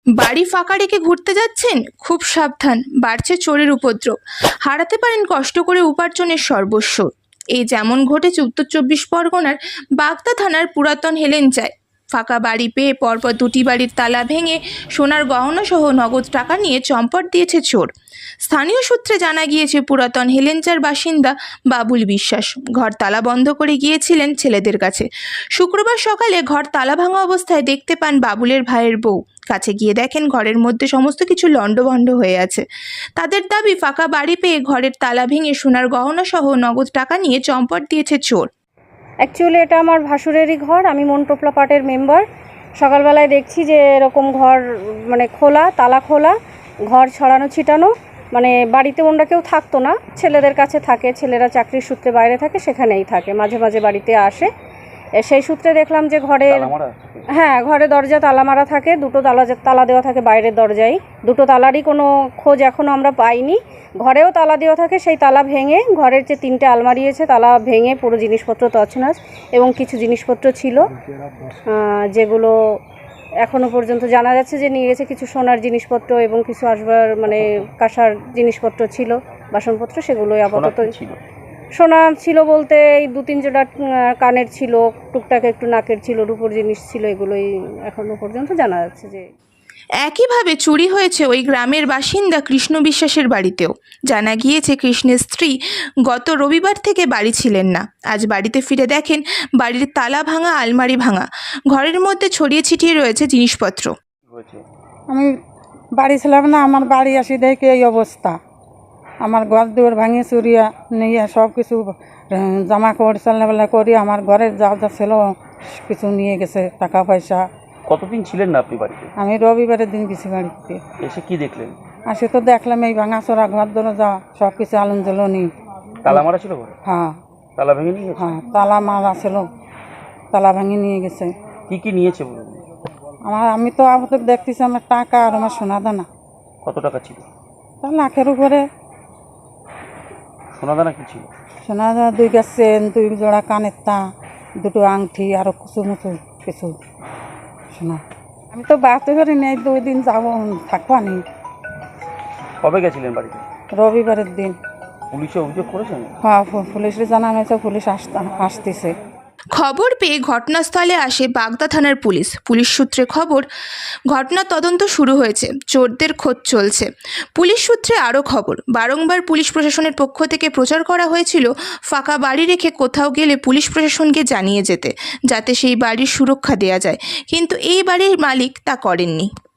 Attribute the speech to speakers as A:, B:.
A: বাড়ি ফাঁকা রেখে ঘুরতে যাচ্ছেন? খুব সাবধান, বাড়ছে চোরের উপদ্রব। হারাতে পারেন কষ্ট করে উপার্জনের সর্বস্ব। এই যেমন ঘটেছে উত্তর ২৪ পরগনার বাগদা থানার পুরাতন হেলেঞ্চায়। ফাঁকা বাড়ি পেয়ে পরপর দুটি বাড়ির তালা ভেঙে সোনার গহনা সহ নগদ টাকা নিয়ে চম্পট দিয়েছে চোর। স্থানীয় সূত্রে জানা গিয়েছে, পুরাতন হেলেঞ্চার বাসিন্দা বাবুল বিশ্বাস ঘর তালা বন্ধ করে গিয়েছিলেন ছেলেদের কাছে। শুক্রবার সকালে ঘর তালা ভাঙা অবস্থায় দেখতে পান বাবুলের ভাইয়ের বউ। কাছে গিয়ে দেখেন ঘরের মধ্যে সমস্ত কিছু লণ্ডভণ্ড হয়ে আছে। তাদের দাবি, ফাঁকা বাড়ি পেয়ে ঘরের তালা ভেঙে সোনার গহনা সহ নগদ টাকা নিয়ে চম্পট দিয়েছে চোর।
B: অ্যাকচুয়ালি এটা আমার ভাসুরেরই ঘর, আমি মনটোপলা পার্টের মেম্বার। সকালবেলায় দেখছি যে এরকম ঘর মানে খোলা, তালা খোলা, ঘর ছড়ানো ছিটানো, মানে বাড়িতে ওনারা কেউ থাকতো না, ছেলেদের কাছে থাকে, ছেলেরা চাকরির সূত্রে বাইরে থাকে, সেখানেই থাকে, মাঝে মাঝে বাড়িতে আসে। সেই সূত্রে দেখলাম যে ঘরের ঘরে দরজা তালা মারা থাকে, দুটো তালা দেওয়া থাকে বাইরের দরজায়, দুটো তালারই কোনো খোঁজ এখনও আমরা পাইনি। ঘরেও তালা দেওয়া থাকে, সেই তালা ভেঙে ঘরের যে 3টে আলমারি আছে তালা ভেঙে পুরো জিনিসপত্র তছনছ, এবং কিছু জিনিসপত্র ছিল যেগুলো এখনও পর্যন্ত জানা যাচ্ছে যে নিয়ে গেছে কিছু সোনার জিনিসপত্র এবং কিছু আসবার মানে কাঁসার জিনিসপত্র ছিল, বাসনপত্র, সেগুলোই আপাতত ছিল। সোনা ছিল বলতে এই 2-3 জোড়া কানের ছিল, টুকটাক একটু নাকের ছিল, রূপোর জিনিস ছিল, এগুলোই এখনও পর্যন্ত জানা যাচ্ছে যে।
A: একইভাবে চুরি হয়েছে ওই গ্রামের বাসিন্দা কৃষ্ণ বিশ্বাসের বাড়িতেও। জানা গিয়েছে, কৃষ্ণের স্ত্রী গত রবিবার থেকে বাড়ি ছিলেন না। আজ বাড়িতে ফিরে দেখেন বাড়ির তালা ভাঙা, আলমারি ভাঙা, ঘরের মধ্যে ছড়িয়ে ছিটিয়ে রয়েছে জিনিসপত্র।
C: আমি বাড়ি ছিলাম না, আমার বাড়ি আসি দেখে এই অবস্থা। আমার ঘর দুয়ার ভাঙিয়ে চুরিয়া নিয়ে সব কিছু জামা কাপড় চালনাবেলা করি, আমার ঘরের যা যা ছিল কিছু নিয়ে গেছে, টাকা পয়সা।
D: কতদিন ছিলেন না আপনি বাড়িতে?
C: আমি রবিবারের দিন গেছি বাড়িতে।
D: এসে কি দেখলেন?
C: আসে তো দেখলাম এই ভাঙাচোরা ঘর দরজা সব কিছু আলুন জ্বলনি।
D: তালা মারা ছিল ঘরে?
C: হ্যাঁ,
D: তালা ভেঙে নিয়ে গেছে?
C: হ্যাঁ, তালা মারা ছিল, তালা ভেঙে নিয়ে গেছে।
D: কি কি নিয়েছে বলুন?
C: আমি তো আপাতত দেখতেছি আমার টাকা আর আমার সোনা দানা।
D: কত টাকা ছিল?
C: তা লাখের উপরে।
D: সোনা দানা কি ছিল?
C: সোনা দানা 2 গাছ চেন, 2 জোড়া কানের তা, 2টো আংটি, আরও কিছু মতো কিছু সোনা। আমি তো বাড়তে পারি নাই, 2 দিন যাবো থাকবা নি।
D: কবে গেছিলেন বাড়িতে?
C: রবিবারের দিন।
D: পুলিশে অভিযোগ করেছেন?
C: হ্যাঁ, পুলিশে জানানো হয়েছে, পুলিশ আসতেছে।
A: খবর পেয়ে ঘটনাস্থলে আসে বাগদা থানার পুলিশ। পুলিশ সূত্রে খবর, ঘটনার তদন্ত শুরু হয়েছে, চোরদের খোঁজ চলছে। পুলিশ সূত্রে আরও খবর, বারংবার পুলিশ প্রশাসনের পক্ষ থেকে প্রচার করা হয়েছিল ফাঁকা বাড়ি রেখে কোথাও গেলে পুলিশ প্রশাসনকে জানিয়ে যেতে, যাতে সেই বাড়ির সুরক্ষা দেওয়া যায়, কিন্তু এই বাড়ির মালিক তা করেননি।